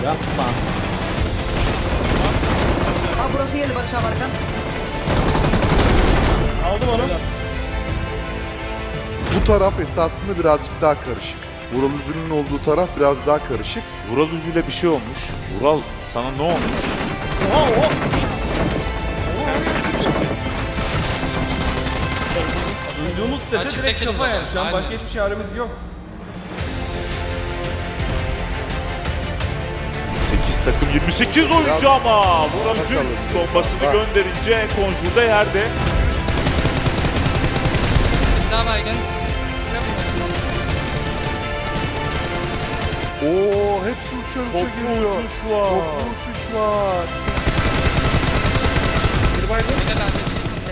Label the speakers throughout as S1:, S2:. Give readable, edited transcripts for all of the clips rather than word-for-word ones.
S1: Yapma.
S2: Abi burası geldi Barış abi arkan.
S3: Aldım onu.
S4: Bu taraf esasında birazcık daha karışık. Vural Üzül'ün olduğu taraf biraz daha karışık.
S5: Vural Üzül'e bir şey olmuş. Vural sana ne olmuş?
S3: Oha oha. Duyduğumuz sese
S6: Açık
S3: direkt
S6: tekeli
S3: kafa yani.
S6: zaten,
S3: Şu an
S6: aynen.
S3: başka hiçbir çaremiz yok.
S5: 8 takım 28 oyuncu ama Vural Üzül bombasını gönderince Conjure'da yerde.
S6: Daha baygın.
S4: Oo, hepsi uça uça
S5: Toplu
S4: geliyor.
S5: uçuş var.
S4: Toplu uçuş var.
S6: Bir de lanet.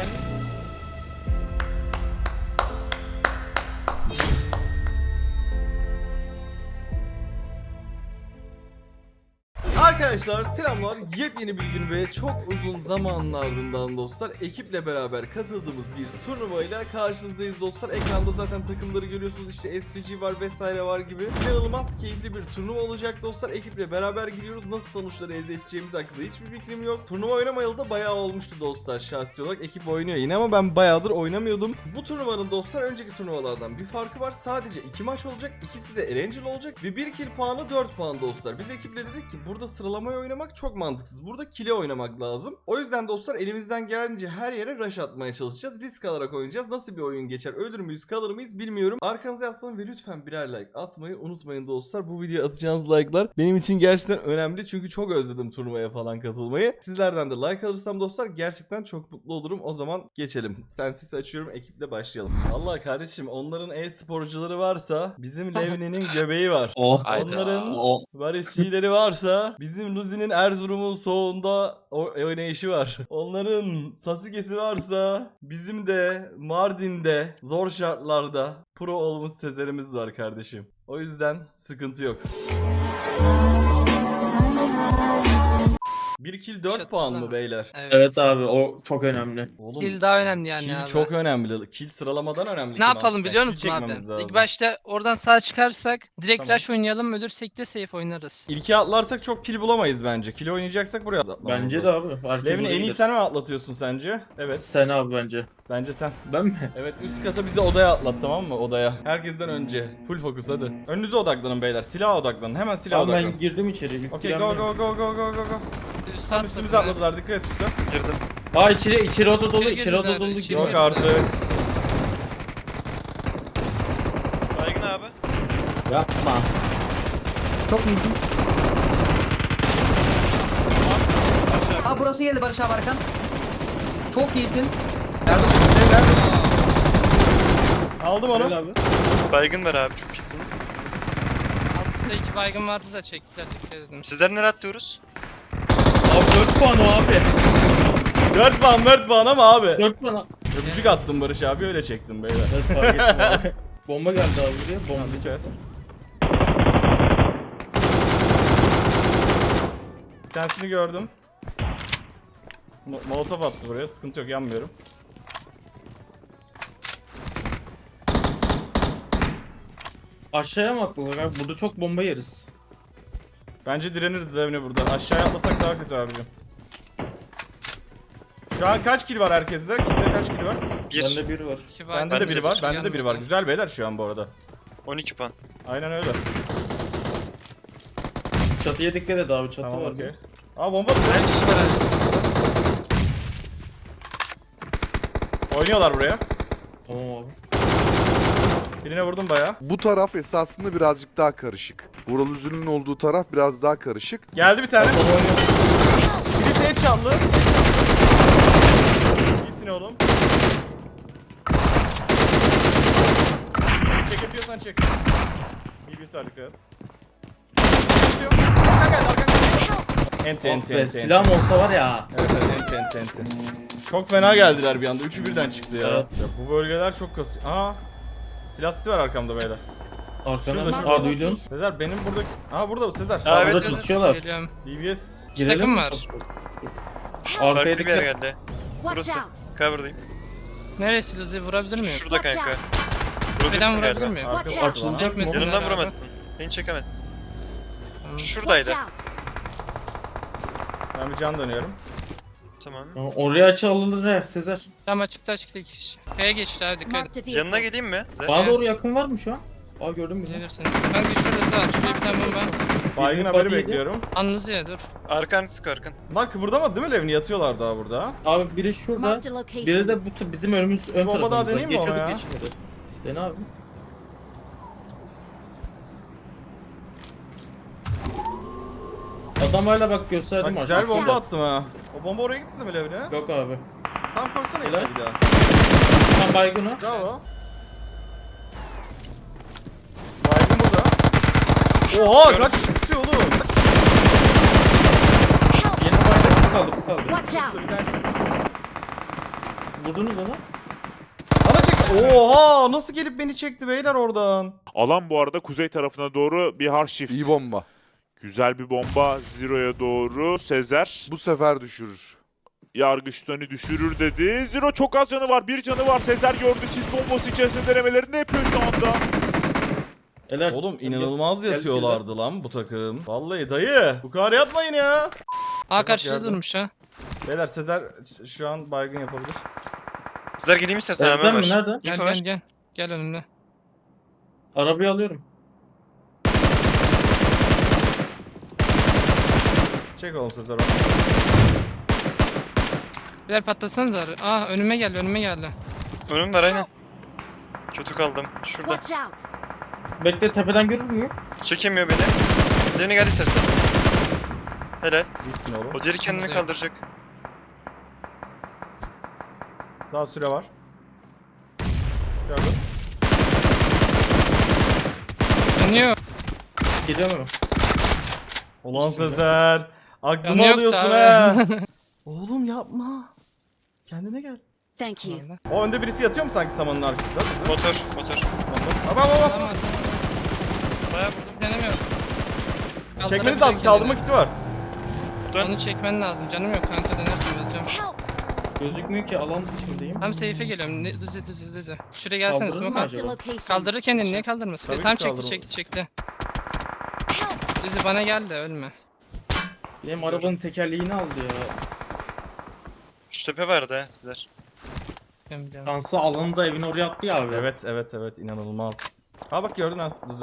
S3: Arkadaşlar selamlar. Yepyeni bir gün ve çok uzun zamanın ardından dostlar ekiple beraber katıldığımız bir turnuvayla karşınızdayız dostlar. Ekranda zaten takımları görüyorsunuz, işte SPG var vesaire var gibi. İnanılmaz keyifli bir turnuva olacak dostlar. Ekiple beraber gidiyoruz. Nasıl sonuçları elde edeceğimiz hakkında hiçbir fikrim yok. Turnuva oynamayalı da bayağı olmuştu dostlar şahsi olarak. Ekip oynuyor yine ama ben bayağıdır oynamıyordum. Bu turnuvanın dostlar önceki turnuvalardan bir farkı var. Sadece 2 maç olacak. İkisi de Erangel olacak ve 1 kill puanı 4 puan dostlar. Biz ekiple dedik ki burada sıralamayı oynamak çok mantıksız. Burada kile oynamak lazım. O yüzden dostlar elimizden geldiğince her yere rush atmaya çalışacağız. Risk alarak oynayacağız. Nasıl bir oyun geçer? Ölür müyüz? Kalır mıyız? Bilmiyorum. Arkanıza yaslanın ve lütfen birer like atmayı unutmayın dostlar. Bu videoya atacağınız like'lar benim için gerçekten önemli. Çünkü çok özledim turnuvaya falan katılmayı. Sizlerden de like alırsam dostlar gerçekten çok mutlu olurum. O zaman geçelim. Sensiz açıyorum. Ekiple başlayalım. Allah kardeşim, onların e-sporcuları varsa bizim Levni'nin göbeği var.
S1: Oh.
S3: Onların
S1: Oh.
S3: barışçileri varsa bizim Luzi'nin Erzurum'un soğuğunda oynayışı var. Onların Sasuke'si varsa bizim de Mardin'de zor şartlarda pro olmuş Sezer'imiz var kardeşim. O yüzden sıkıntı yok. 1 kill 4 puan mı beyler?
S1: Evet abi, o çok önemli.
S3: Oğlum
S6: Kill daha önemli yani
S3: kill
S6: abi.
S3: çok önemli. Kill sıralamadan önemli.
S6: Ne yapalım biliyor musun abi? İlk başta oradan sağ çıkarsak direkt
S3: Tamam.
S6: rush oynayalım, ölürsek de safe oynarız.
S3: İlke atlarsak çok kill bulamayız bence. Kill oynayacaksak buraya atlamamız
S1: Bence
S3: lazım.
S1: de abi. Herkes
S3: Levni en iyi
S1: bilir.
S3: sen mi atlatıyorsun sence? Evet.
S1: Sen abi bence.
S3: Bence sen.
S1: Ben mi?
S3: Evet, üst kata bizi odaya atlat, tamam mı? Odaya. Herkesten önce. Full fokus hadi. Önünüze odaklanın beyler. Silaha odaklanın. Hemen silaha
S1: Abi
S3: odaklanın.
S1: ben girdim içeri.
S3: Okey, go go go go go go go.
S6: Üst
S3: Tam
S6: atladılar.
S3: üstümüze atladılar. Dikkat et üstte.
S5: Girdim.
S1: Aa, içeri oda dolu,
S6: İçeri
S1: içeri oda
S6: girdiler,
S1: dolu.
S6: içeri
S3: Yok
S6: girdiler.
S3: artık.
S5: Baygın abi.
S1: Yapma.
S2: Çok iyisin. Abi burası geldi Barış abi arkan. Çok iyisin.
S3: Aldım onu.
S1: Öyle abi.
S5: Baygın ver abi, çok iyisin.
S6: Altta 2 baygın vardı da çektiler, dikkat edin.
S5: Sizler nereye atlıyoruz?
S1: Abi 4 puan o abi.
S3: 4 puan ama abi.
S1: 4 puan.
S3: Öpücük attım Barış abi, öyle çektim beyler.
S1: Evet, fark ettim abi. Bomba geldi abi buraya. Bomba.
S3: Dikkat et. Bir tanesini gördüm. Molotov attı buraya, sıkıntı yok, yanmıyorum.
S1: Aşağıya mı atlasak abi? Burada çok bomba yeriz.
S3: Bence direniriz Levni burada. Aşağıya atlasak daha kötü abicim. Şu an kaç kill var herkeste? Kimde kaç kill var?
S1: Bende bir var.
S6: 2 baygın.
S3: Bende de biri var.
S6: hiç
S3: Bende de biri var.
S6: gelmedi.
S3: Güzel beyler şu an bu arada.
S5: 12 puan.
S3: Aynen öyle.
S1: Çatıya dikkat et abi, çatı
S3: Tamam,
S1: var.
S3: okey. Aa, bomba.
S6: Her kişi var abi.
S3: Oynuyorlar buraya.
S1: Tamam abi.
S3: Birine vurdum bayağı.
S4: Bu taraf esasında birazcık daha karışık. Vural Üzül'ün olduğu taraf biraz daha karışık.
S3: Geldi bir tane.
S1: Hasan oynuyor.
S3: Birisi headshot'lı. İyisin oğlum. Çekebiliyorsan çek. İyi bir sarık evet. Arkan geldi, arkan geldi. Enti
S1: Oh
S3: enti
S1: be,
S3: enti.
S1: silahım olsa var ya.
S3: Evet evet, enti. Çok fena geldiler bir anda. Üçü birden çıktı ya.
S1: Evet.
S3: Ya bu bölgeler çok kasıyor. Aa. Silah sesi var arkamda beyler.
S1: Arkana.
S3: Şurada.
S1: Aa, duydun.
S3: Sezer benim burada... Aa, burada bu Sezer.
S5: Aa, evet,
S1: Burada
S5: evet.
S1: çalışıyorlar.
S6: Geliyorum.
S3: DBS.
S1: Girelim
S6: takım
S1: mi?
S6: var.
S1: Arkaya
S5: Farklı bir yer
S1: dikkat.
S5: geldi. Burası. Cover'dayım.
S6: Neresi Luzi, vurabilir miyim?
S5: Şurada kanka.
S6: Tepeden
S5: Vurabilirsin
S6: vurabilir
S5: galiba.
S6: miyim?
S3: Arkası
S1: Açılacak mı?
S6: Çekmesin
S5: Yanımdan
S6: abi.
S5: vuramazsın. Beni çekemezsin.
S6: Tamam.
S5: Şuradaydı.
S3: Ben bir can dönüyorum.
S7: Tamam.
S1: Oraya açı alınır ya Sezer.
S6: Tam açıkta iki kişi. K'ye geçti abi dikkat et.
S8: Marked a vehicle.
S7: Yanına geleyim mi? Size.
S1: Bana doğru yakın var mı şu an? Aa gördün mü?
S6: Gelirsin. Kanka şurası var. Şuraya bir tane bomba.
S3: Baygın
S1: Birini
S3: haberi
S1: body yedi.
S3: bekliyorum.
S6: Anluziye dur.
S7: Arkan sık arkan.
S3: Bunlar kıvırdamadı değil mi Levni? Yatıyorlar daha burada.
S1: Abi biri şurada.
S8: Marked a location.
S1: Biri de bizim önümüz ön
S3: Bomba daha
S1: tarafımızda.
S3: deneyeyim mi ona ya?
S1: Geçmedi. Dene abi. Adam hala bak gösterdim
S3: Bak güzel
S1: aşağıya.
S3: bomba attım ha. O bomba oraya gitti mi Levni?
S1: Yok abi.
S3: Tam koysana
S1: Helal.
S3: bir daha.
S1: Tam baygını.
S3: Bravo. Baygın burada. Oha kaç kişi tutuyor oğlum?
S1: Yeni baygın bu kaldı bu kaldı.
S8: Watch out.
S1: Vurdunuz onu.
S3: Bana çek. Oha nasıl gelip beni çekti beyler oradan?
S5: Alan bu arada kuzey tarafına doğru bir hard shift.
S4: İyi bomba.
S5: Güzel bir bomba Zero'ya doğru. Sezer
S4: Bu sefer düşürür.
S5: yargıçlarını düşürür dedi. Zero çok az canı var. Bir canı var. Sezer gördü. Sis bombası içerisinde denemelerini yapıyor şu anda.
S1: Helal.
S3: Oğlum inanılmaz
S1: Gel-
S3: yatıyorlardı lan bu takım. Vallahi dayı bu kadar yatmayın ya.
S6: Aa karşıda
S3: yardım.
S6: durmuş ha.
S3: Beyler Sezer şu an baygın yapabilir.
S7: Sizler geleyim istersen
S1: Evden
S7: hemen
S1: mi?
S7: var.
S1: Nerede?
S6: Gel
S7: İnfo ver.
S6: gel gel. Gel önümde.
S1: Arabayı alıyorum.
S3: Çek oğlum Sezer o.
S6: Birer patlasanız arı. Aa önüme geldi önüme geldi.
S7: Önüm var aynen. Kötü kaldım. Şurada.
S8: Watch out.
S1: Bekle tepeden görür müyüm?
S7: Çekemiyor beni. Diğerine gel istersen. Helal.
S3: Gitsin oğlum.
S7: O diğeri kendini
S6: Güzel.
S7: kaldıracak.
S3: Daha süre var. Gördüm.
S6: Dönüyor.
S1: Geliyor mu?
S3: Ulan Sezer. Aklımı
S6: Yanı yoktu
S3: alıyorsun
S6: abi.
S3: ha. Oğlum yapma. Kendine gel.
S8: Thank you.
S3: O önde birisi yatıyor mu sanki samanın arkasında?
S7: Motor.
S3: Baba baba.
S6: Tamam.
S7: Bayağı vurdum.
S6: Canım yok.
S3: Çekmeniz lazım. Kaldırma kiti var.
S7: Dön.
S6: Onu çekmen lazım. Canım yok kanka denersin öleceğim.
S8: Help.
S1: Gözükmüyor ki alan içindeyim.
S6: Tam safe'e geliyorum. Düz. Şuraya gelsene
S1: Kaldırır mı
S6: smoke at.
S8: Marked a location.
S6: Kaldırır kendini niye kaldırmasın?
S3: Tabii ki
S6: Tam çekti
S3: kaldırır.
S6: çekti.
S8: Help.
S6: Düzü bana gel de ölme.
S1: Benim arabanın tekerleğini aldı ya.
S7: Şu tepe vardı ha sizler.
S6: Biliyorum.
S1: Şansı alanı da evin oraya attı ya abi.
S3: Evet inanılmaz. Ha bak gördün ha düzü.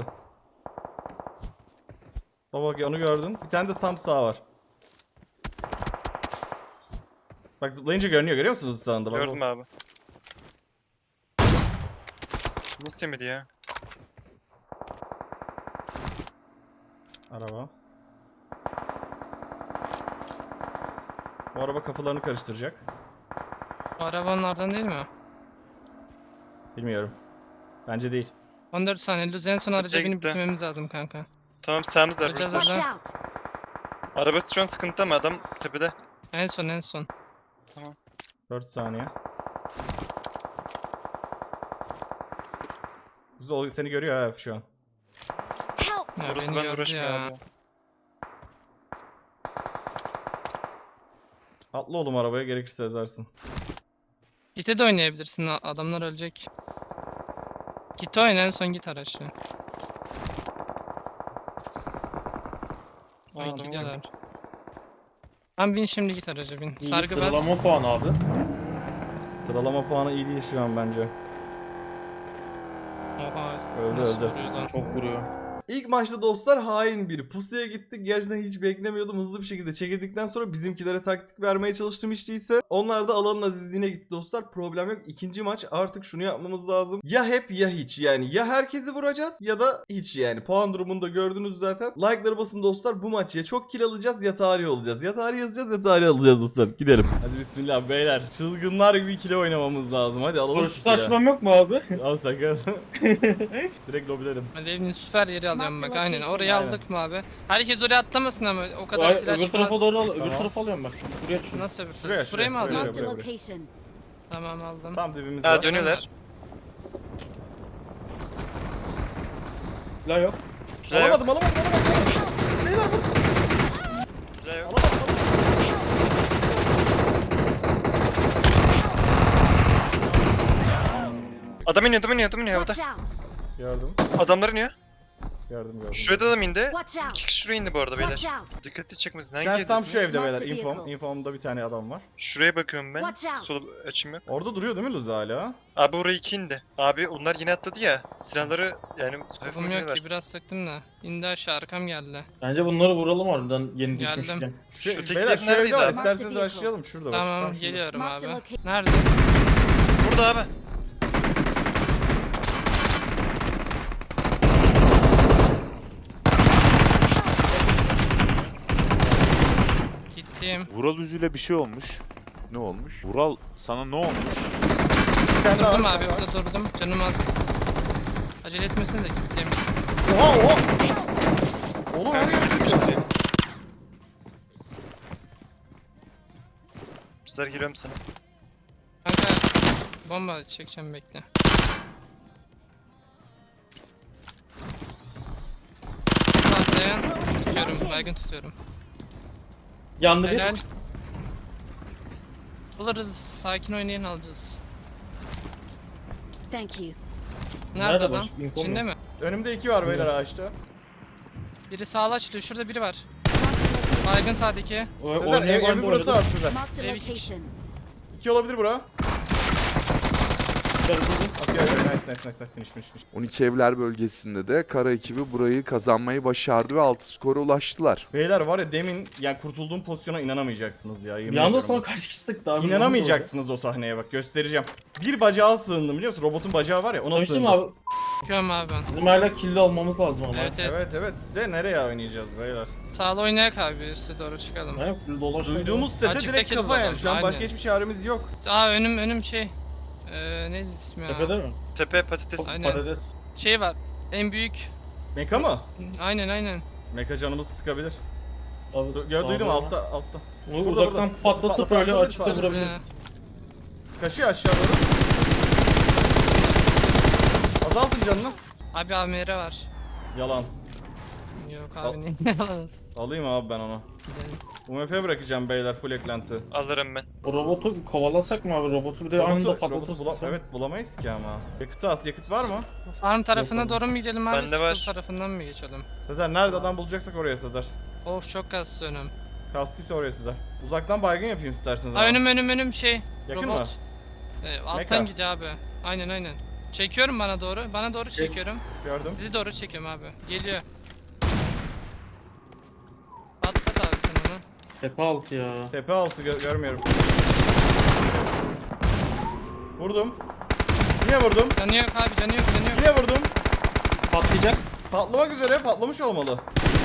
S3: Baba bak onu gördün. Bir tane de tam sağ var. Bak zıplayınca görünüyor musunuz sağında? Bak,
S7: Gördüm
S3: bak.
S7: abi. Nasıl yemedi ya?
S3: Araba. Bu araba kafalarını karıştıracak.
S6: O arabanın ardından değil mi o?
S3: Bilmiyorum. Bence değil.
S6: 14 saniye. Luz en son
S7: Sırtaya
S6: araca binip
S7: gitti.
S6: bitirmemiz lazım kanka.
S7: Tamam sağımız var
S6: Bakacağız
S7: burası.
S6: orada.
S8: Watch out.
S7: Arabası şu an sıkıntı ama adam tepede.
S6: En son.
S3: 4 saniye. Güzel o seni görüyor ha şu an.
S8: Help.
S6: Ya
S7: Orası
S6: beni
S7: ben
S6: gördü
S7: uğraşmıyor
S6: ya.
S7: abi.
S3: Atla oğlum arabaya gerekirse ezarsın.
S6: Git'e de oynayabilirsin. Adamlar ölecek. Git oyna en son git araçla.
S7: O
S6: Ay
S7: adamı
S6: gidiyorlar. Tamam bin şimdi git araca bin.
S1: İyi
S6: Sargı bas.
S1: sıralama puanı abi.
S3: Sıralama puanı iyi değil şu an bence.
S6: Oha.
S3: Öldü,
S6: nasıl
S3: öldü.
S6: vuruyor lan?
S1: Çok vuruyor.
S3: İlk maçta dostlar hain bir pusuya gittik. Gerçekten hiç beklemiyordum. Hızlı bir şekilde çekildikten sonra bizimkilere taktik vermeye çalıştım hiç değilse. Onlar da alanın azizliğine gitti dostlar. Problem yok. İkinci maç artık şunu yapmamız lazım. Ya hep ya hiç yani. Ya herkesi vuracağız ya da hiç yani. Puan durumunu da gördünüz zaten. Like'ları basın dostlar. Bu maç ya çok kill alacağız ya tarih olacağız. Ya tarih yazacağız ya tarih alacağız dostlar. Gidelim. Hadi bismillah beyler. Çılgınlar gibi kill oynamamız lazım. Hadi alalım şu silahı.
S1: Karşılaşmam yok mu abi?
S3: Al sakın. Direkt lobilerim.
S6: Hadi evinin süper yeri alıyorum bak
S8: Marked
S6: aynen.
S8: location.
S6: Oraya
S3: Aynen.
S6: aldık mı abi? Herkes oraya atlamasın ama o kadar
S1: Ay,
S6: silah
S1: öbür
S6: çıkmaz.
S1: tarafa doğru al. Öbür
S3: Tamam.
S1: tarafa alıyorum bak. Buraya şunu.
S6: Nasıl öbür
S3: Şuraya,
S6: tarafı? Şuraya mı
S3: şuraya,
S6: aldın?
S8: Marked a
S3: buraya.
S8: location.
S6: Tamam aldım.
S3: Tam dibimizde.
S7: Ha dönüyorlar.
S1: Silah yok.
S7: Silah yok.
S3: Alamadım.
S7: Silah yok. Adam iniyor havada.
S8: Watch out.
S3: Gördüm.
S7: Adamlar iniyor.
S3: Gördüm gördüm.
S7: Şurada da mı indi?
S8: Watch out.
S7: 2 kişi şuraya indi bu arada
S8: Watch
S7: beyler.
S8: out.
S7: Dikkatli çekmesin. Hangi
S3: Sen tam şu
S7: evde?
S3: evde
S8: Mark
S3: beyler.
S8: the
S3: Infom.
S8: vehicle.
S3: Infom'da bir tane adam var.
S7: Şuraya bakıyorum ben.
S8: Watch out.
S7: Sol açım yok.
S3: Orada duruyor değil mi Luz hala?
S7: Abi oraya 2 indi. Abi onlar yine atladı ya. Silahları yani hafif
S6: Kafam yok
S7: oynuyorlar.
S6: ki biraz sıktım da. İndi aşağı arkam geldi.
S1: Bence bunları vuralım harbiden yeni
S6: Geldim.
S1: düşmüşken.
S7: Şu tekli
S3: beyler
S7: ev
S3: şu
S7: neredeydi
S3: evde var.
S7: abi?
S3: İsterseniz başlayalım. Şurada bak.
S6: Tamam
S3: Tam şurada.
S6: geliyorum
S8: Mark the
S6: abi.
S8: location.
S6: Nerede?
S7: Burada abi.
S6: Gittim.
S5: Vural Üzül'e bir şey olmuş.
S4: Ne olmuş?
S5: Vural sana ne olmuş?
S3: Bir tane daha
S6: Durdum
S3: var.
S6: abi orada durdum. Canım az. Acele etmesinize gittim.
S3: Oha oha. Oğlum
S7: Kanka
S3: öyle
S7: girdim şimdi. Bizler giriyorum sana.
S6: Kanka bomba çekeceğim bekle. Atlayan tutuyorum. Baygın tutuyorum.
S1: Yandı bir.
S6: Helal. Buluruz. Sakin oynayın alacağız.
S8: Thank you.
S6: Nerede
S1: Nerede
S6: adam?
S1: başka info
S6: İçinde
S1: mu?
S6: mi?
S3: Önümde 2 var beyler ağaçta.
S6: Biri sağlı açılıyor. Şurada biri var. Baygın sağdaki.
S3: Sezer evi burası var Sezer.
S8: Mark the
S6: Maybe he-
S8: location.
S3: 2 olabilir bura.
S1: Çıkartırız.
S3: Atıyor nice finish.
S4: 12 evler bölgesinde de kara ekibi burayı kazanmayı başardı ve 6 skora ulaştılar.
S3: Beyler var ya demin yani kurtulduğum pozisyona inanamayacaksınız ya. yemin
S1: Bir anda
S3: ediyorum
S1: sana
S3: bak.
S1: kaç kişi sıktı abi?
S3: İnanamayacaksınız o sahneye bak göstereceğim. Bir bacağa sığındım biliyor musun? Robotun bacağı var ya ona
S1: Konuştum
S3: sığındım.
S1: abi.
S6: Bakıyorum abi ben.
S1: Bizim hala killi olmamız lazım ama.
S6: Evet.
S3: Evet de nereye oynayacağız beyler?
S6: Sağlı oynayak abi. Üste doğru çıkalım.
S1: Yani full dolaşıyor.
S3: Duyduğumuz sese
S6: Açıkta
S3: direkt
S6: kill
S3: kafa yani.
S6: bulalım,
S3: Şu an başka
S6: aynen.
S3: hiçbir çaremiz yok.
S6: Aa önüm şey. Neydi ismi ya?
S1: Tepede mi?
S7: Tepe patates.
S6: Aynen.
S1: Patates.
S6: Şey var. En büyük.
S3: Meka mı?
S6: Aynen.
S3: Meka canımızı sıkabilir.
S1: Abi,
S3: Duydum
S1: sağda
S3: altta.
S1: Onu
S3: Burada,
S1: uzaktan
S3: burada.
S1: patlatıp
S3: Patlat,
S1: öyle
S3: patlat,
S1: açıkta
S3: patlat.
S1: vurabiliriz.
S3: Kaşıyor aşağı doğru. Azaltın canını.
S6: Abi AMR var.
S3: Yalan.
S6: Yok
S3: Al.
S6: abi ne yalanız.
S3: Alayım abi ben onu. UMP bırakacağım beyler full eklenti.
S7: Alırım ben.
S1: O robotu kovalasak mı abi? Robotu bir de anında patlatırsın.
S3: Evet bulamayız ki ama. Yakıtı az. Yakıt var mı?
S6: Farm tarafına
S1: Yok abi.
S6: doğru mu gidelim abi?
S7: Bende var.
S6: School tarafından mı geçelim?
S3: Sezer nerede adam bulacaksak oraya Sezer.
S6: Of çok kastı önüm.
S3: Kastıysa oraya Sezer. Uzaktan baygın yapayım isterseniz
S6: Aa
S3: ama.
S6: önüm şey.
S3: Yakın
S6: robot.
S3: mı?
S6: Alttan
S3: Meka.
S6: gidiyor abi. Aynen. Çekiyorum bana doğru. Bana doğru çekiyorum.
S3: Gördüm.
S6: Sizi doğru çekiyorum abi. Geliyor. Patlat abi sen onu.
S1: Tepe altı ya.
S3: Tepe altı görmüyorum. Vurdum. Yine vurdum.
S6: Canı yok abi canı yok.
S3: Yine vurdum.
S1: Patlayacak.
S3: Patlamak üzere patlamış olmalı.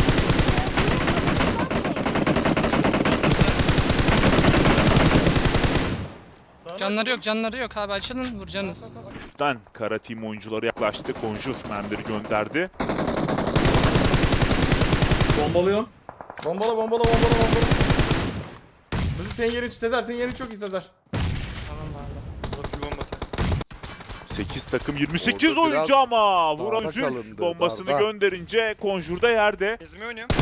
S3: Sağına
S6: Canları yok abi açılın vuracaksınız.
S5: Üstten kara team oyuncuları yaklaştı. Conjure mermileri gönderdi.
S1: Bombalıyorum.
S3: Bombala. Bizi senin yerin Sezer, senin yerin çok iyi Sezer.
S6: Tamam abi.
S7: Dur bir bomba atayım.
S5: 8 takım 28
S4: Orada
S5: oyuncu
S4: biraz
S5: ama Vural
S4: darda
S5: Üzül
S4: kalındı,
S5: bombasını
S4: darda.
S5: gönderince Conjure da yerde.
S7: Ezme oynuyorum.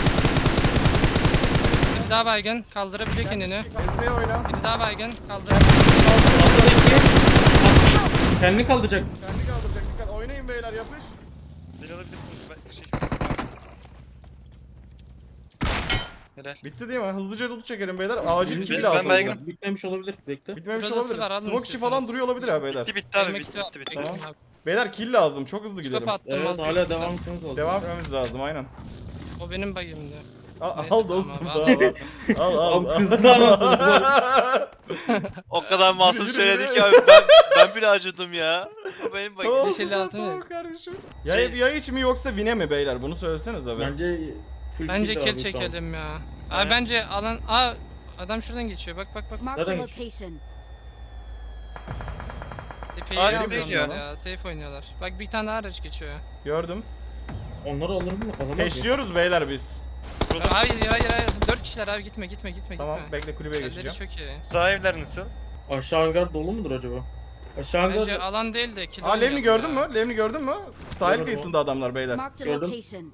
S6: Bir daha baygın kaldırabiliyor kendini.
S3: Ezmeye oyna.
S6: Bir daha baygın kaldır.
S1: Kendini kaldıracak.
S3: Kendi kaldıracak dikkat. Oynayın beyler yapış.
S7: Deli alabilirsiniz. Ben şey... Helal.
S3: Bitti değil mi? Hızlıca loot çekelim beyler. Acil kill
S7: Ben
S3: lazım.
S7: baygınım.
S1: Bitmemiş olabilir. Bekle.
S3: Bitmemiş
S6: Şurası
S3: olabilir.
S6: var, alın
S3: Smoke içi
S6: istiyorsanız.
S3: falan duruyor olabilir ha beyler.
S7: Bitti abi
S6: Yemek
S7: bitti.
S6: Tamam.
S3: Beyler kill lazım. Çok hızlı gidelim.
S6: Stop attım.
S1: Evet
S6: al,
S1: hala
S6: güzel.
S1: devam etmemiz lazım.
S3: Devam etmemiz lazım aynen.
S6: O benim bagimdi.
S3: Al,
S6: Neyse,
S3: al dostum
S6: tamam,
S3: al.
S1: Abi kızdı anasını.
S9: O kadar masum
S3: Yürü,
S9: söyledi
S3: yürü.
S9: ki abi ben bile acıdım ya. O benim bak.
S3: Tamam,
S6: Yeşil
S3: tamam,
S6: altın
S3: tamam
S6: yok.
S3: kardeşim.
S7: Şey-
S3: Yay iç mi yoksa bine mi beyler? Bunu söyleseniz abi.
S1: Bence full
S6: Bence
S1: kill
S6: kill
S1: abi,
S6: çekelim ya. Abi
S7: Aynen.
S6: bence alan... adam şuradan geçiyor. Bak.
S8: Mark the
S1: Nereden
S8: location.
S6: Epey
S7: Abi,
S6: iyi
S3: bekliyor.
S6: oynuyorlar ya. Safe oynuyorlar. Bak bir tane daha araç geçiyor.
S3: Gördüm.
S1: Tamam. Onları alır mı? Alamaz mı?
S3: Peşliyoruz beyler biz.
S6: Hayır. 4 kişiler abi gitme.
S3: Tamam bekle kulübeye
S6: Elleri
S3: geçeceğim.
S6: çok iyi.
S7: Sağ evler nasıl?
S1: Aşağı hangar dolu mudur acaba? Aşağı hangar...
S6: Bence alan değil de kill
S3: Aa Levni
S6: oynuyorlar
S3: gördün
S6: ya.
S3: mü? Levni gördün mü? Sahil
S1: Gördüm.
S3: kıyısında adamlar beyler.
S8: Mark the
S1: Gördüm.
S8: location.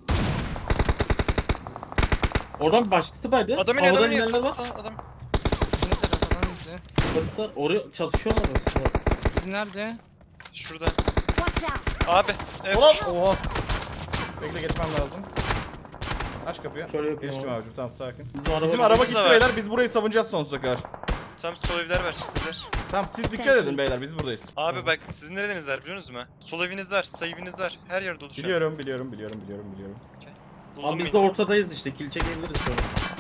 S1: Oradan başkası baydı.
S7: Adam iniyor
S1: Havadan
S7: adam iniyor.
S1: inenler var.
S7: Adam.
S6: Bizim taraf alan bize.
S1: Polis var. Oraya çatışıyorlar aslında.
S6: Bizim nerede?
S7: Şurada.
S8: Watch out.
S7: Abi. Evet.
S3: Ulan oha. Bekle geçmem lazım. Aç kapıyı.
S1: Şöyle yapayım
S3: Geçtim
S1: abi.
S3: abicim tamam sakin.
S1: Bizim
S3: Bizim
S1: araba
S3: araba
S9: da
S3: gitti
S9: var.
S3: beyler biz burayı savunacağız sonsuza kadar.
S7: Tam sol evler var sizler.
S3: Tamam siz dikkat edin beyler biz buradayız.
S7: Abi bak sizin nereniz var biliyor musunuz mu? Sol eviniz var, sağ eviniz var. Her yer dolu şu an.
S3: Biliyorum.
S7: Buldum
S1: Abi biz de
S7: yine.
S1: ortadayız işte. Kill çekebiliriz sonra.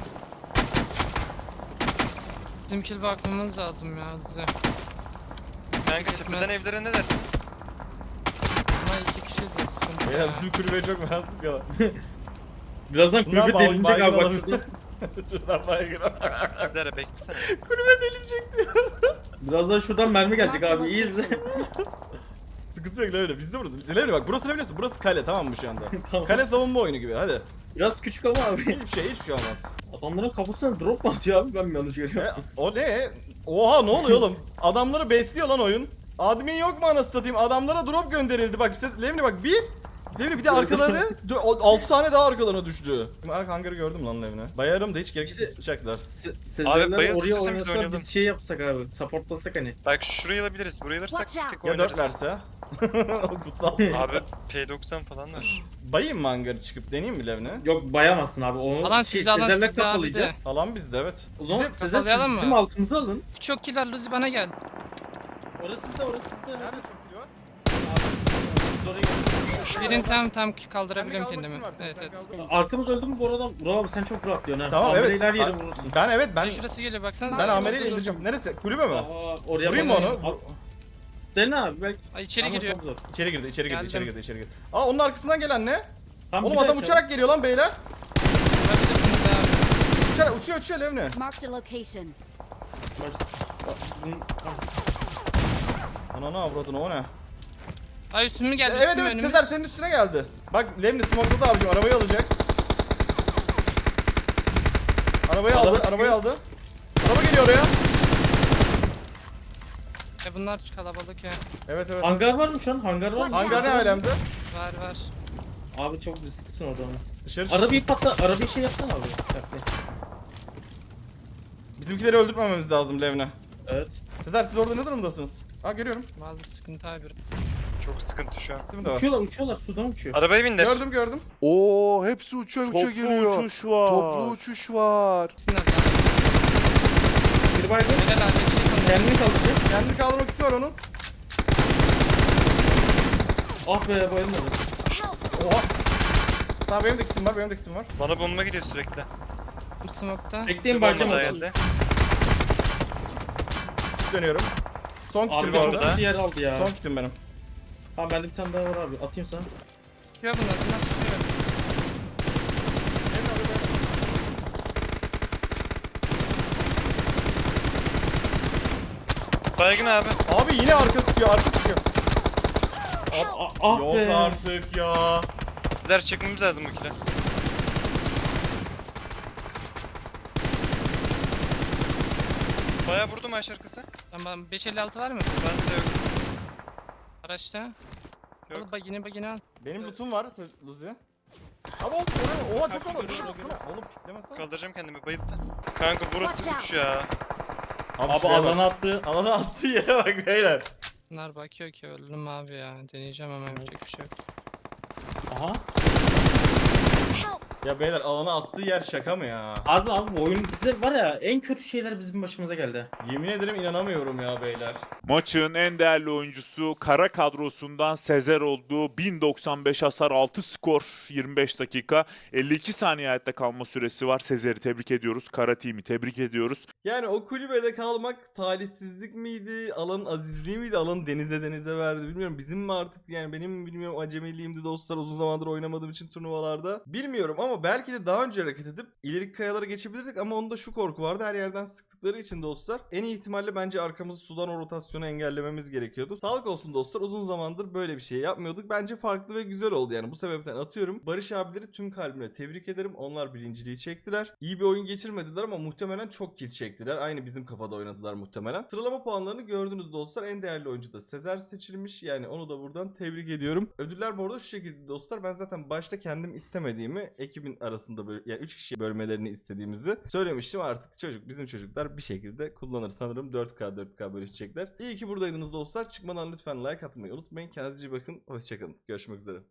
S6: Bizim kill bakmamız lazım ya Luzi.
S7: Kanka tepeden evlere ne dersin?
S6: Ama 2 kişiyiz ya sıkıntı
S3: Beyler
S6: ya.
S3: bizim kulübeye çok merak sıkıyorlar.
S1: Birazdan
S3: Bunlar
S1: kulübe delinecek
S3: baygın
S1: abi bak
S3: olabilir.
S1: şurada.
S3: Şuradan baygın.
S7: Sizlere beklesene.
S3: Kulübe delinecek diyor.
S1: Birazdan şuradan mermi gelecek abi. İyi izle.
S3: Sıkıntı yok Levle biz de burası. Levle bak burası ne biliyorsun? Burası kale tamam mı şu anda?
S1: Tamam.
S3: Kale savunma oyunu gibi hadi.
S1: Biraz küçük ama abi.
S3: Hiçbir şey olmaz.
S1: Adamların kafasına drop mu atıyor abi? Ben mi yanlış görüyorum?
S3: O ne? Oha ne oluyor oğlum? Adamları besliyor lan oyun. Admin yok mu anasını satayım? Adamlara drop gönderildi. Bak Levni bak bir. Levni bir de arkaları 6 tane daha arkalarına düştü. Bak hangarı gördüm lan Levni. Bayarım da hiç gereksiz
S1: İşte-
S3: tutacaklar.
S1: Sezerler
S7: bayıl
S1: oraya
S7: istiyorsan biz
S1: oynasa
S7: oynayalım.
S1: biz şey yapsak abi. Supportlasak hani.
S7: Bak şurayı alabiliriz. Burayı alırsak
S8: Watch out.
S7: tek
S3: Ya 4
S7: oynarız.
S3: verse. Kutsal.
S7: Abi P90 falan var.
S3: Bayayım mı hangarı çıkıp deneyeyim mi Levni?
S1: Yok bayamazsın abi. Onu
S6: Alan
S1: şey,
S6: sizde, alan
S1: Sezerler
S6: sizde abi
S1: kapalayacak.
S6: de.
S3: Alan bizde evet.
S1: O zaman
S6: Bizim
S1: Sezer siz
S6: kapalayalım
S1: bizim
S6: mı?
S1: altımızı alın.
S6: Çok kill var Luzi bana gel.
S1: Orası sizde, orası sizde.
S3: Nerede çok kill var?
S1: Biz oraya gidelim.
S6: Birini tam kaldırabiliyorum
S3: Kendi
S6: kendimi.
S3: kalmak için
S6: Evet
S3: var,
S6: evet.
S3: sen kaldır.
S1: Arkamız öldü mü bu arada? Vural abi sen çok rahatlıyorsun ha.
S3: Tamam evet.
S1: Her yere vurursun.
S3: Ben evet ben
S6: Şurası geliyor baksana.
S3: ben
S6: Dur,
S3: Amel'i
S6: dur, dur.
S3: indireceğim. Neresi? Kulübe mi?
S1: Aa, oraya
S3: Vurayım mı
S1: bakamayız.
S3: onu?
S1: Al- Dene abi belki.
S6: Ay içeri
S1: Ama
S6: giriyor.
S1: çok zor.
S3: İçeri girdi, içeri girdi,
S6: Geldim.
S3: içeri girdi, içeri girdi. Aa onun arkasından gelen ne?
S1: Tamam,
S3: Oğlum
S1: bir
S3: adam
S1: dakika.
S3: uçarak geliyor lan beyler.
S6: Vurabilirsiniz abi.
S3: Uçuyor Levni.
S8: Marked a location.
S1: Bunun- tamam.
S3: Ananı avradını o ne?
S6: Ay üstüme geldi
S3: Evet
S6: üstüme
S3: evet
S6: önümüz.
S3: Sezer senin üstüne geldi. Bak Levni smokeladı abicim arabayı alacak. Arabayı
S1: Araba
S3: aldı,
S1: çıkıyor.
S3: arabayı aldı. Araba geliyor oraya.
S6: Bunlar kalabalık ya.
S3: Evet evet.
S1: Hangar var mı şu an? Hangar var mı?
S3: Hangar ne alemde?
S6: Var var.
S1: Abi çok risklisin orada ama.
S3: Dışarı çık.
S1: Arabayı patla, arabayı şey yapsana abi. Yap, neyse.
S3: Bizimkileri öldürmememiz lazım Levni.
S1: Evet.
S3: Sezer siz orada ne durumdasınız? Aa görüyorum.
S6: Vallahi sıkıntı abi.
S7: Çok sıkıntı şu an.
S3: Değil mi de var?
S1: Uçuyorlar, sudan uçuyor.
S7: Arabaya binler.
S3: Gördüm.
S4: Oo hepsi uça
S5: Toplu
S4: geliyor.
S5: uçuş var.
S4: Toplu uçuş var.
S6: Sinirler.
S1: Bir baygın.
S6: Helal abi. Şey
S1: Kendini kaldıracak.
S3: Kendi kaldırma kiti var onun.
S1: Ah be bayılmadı.
S8: Help.
S3: Oha. Tamam benim de kitim var.
S7: Bana bomba gidiyor sürekli.
S6: Smoke'ta.
S1: Bekleyin
S7: Bir bomba
S1: baycan
S7: daha
S1: oldu.
S7: geldi.
S3: Dönüyorum. Son
S1: Abi
S3: kitim bu
S7: bomba
S3: arada.
S7: da.
S1: çok yer aldı ya.
S3: Son kitim benim.
S1: Tamam bende bir tane daha var abi. Atayım sana.
S6: Çıkıyor bunlar çıkıyor.
S7: Baygın abi.
S3: Abi yine arka sıkıyor.
S1: Ah
S3: Yok
S1: be.
S3: artık ya.
S7: Sizler çekmemiz lazım bu kile. Bayağı vurdum aşağı arkası.
S6: Tamam 556 var mı?
S7: Bende de yok.
S6: Araçta.
S7: Yok.
S6: Al bagini al.
S3: Benim lootum var Luzi. Abi oğlum oraya oha çok
S1: Kaç
S3: olur.
S1: yukarı,
S3: Bu ne?
S1: yukarı.
S3: Oğlum piklemesene.
S7: Kaldıracağım kendimi bayıldı. Kanka burası
S8: Watch out.
S7: uç ya.
S1: Abi
S3: şuraya bak.
S1: alana attı.
S3: Alana attığı yere bak beyler.
S6: Bunlar bakıyor ki öldüm abi ya. Deneyeceğim ama yapacak bir şey yok.
S1: Aha.
S8: Help.
S3: Ya beyler alana attığı yer şaka mı ya?
S1: Abi bu oyun bize var ya en kötü şeyler bizim başımıza geldi.
S3: Yemin ederim inanamıyorum ya beyler.
S5: Maçın en değerli oyuncusu kara kadrosundan Sezer oldu. 1095 hasar, 6 skor, 25 dakika, 52 saniye hayatta kalma süresi var. Sezer'i tebrik ediyoruz. Kara team'i tebrik ediyoruz.
S3: Yani o kulübede kalmak talihsizlik miydi? Alanın azizliği miydi? Alanı denize verdi bilmiyorum. Bizim mi artık yani benim mi bilmiyorum acemiliğimdi dostlar uzun zamandır oynamadığım için turnuvalarda. Bilmiyorum ama belki de daha önce hareket edip ileriki kayalara geçebilirdik ama onda şu korku vardı. Her yerden sıktıkları için dostlar. En iyi ihtimalle bence arkamızı sudan o rotasyonu engellememiz gerekiyordu. Sağlık olsun dostlar uzun zamandır böyle bir şey yapmıyorduk. Bence farklı ve güzel oldu yani bu sebepten atıyorum. Barış abileri tüm kalbimle tebrik ederim. Onlar birinciliği çektiler. İyi bir oyun geçirmediler ama muhtemelen çok kill çektiler. Aynı bizim kafada oynadılar muhtemelen. Sıralama puanlarını gördünüz dostlar. En değerli oyuncu da Sezer seçilmiş. Yani onu da buradan tebrik ediyorum. Ödüller bu arada şu şekilde dostlar. Ben zaten başta kendim istemediğimi ekibin arasında böyle yani 3 kişiye bölmelerini istediğimizi söylemiştim. Artık bizim çocuklar bir şekilde kullanır sanırım. 4K bölüşecekler. İyi ki buradaydınız dostlar. Çıkmadan lütfen like atmayı unutmayın. Kendinize iyi bakın. Hoşçakalın. Görüşmek üzere.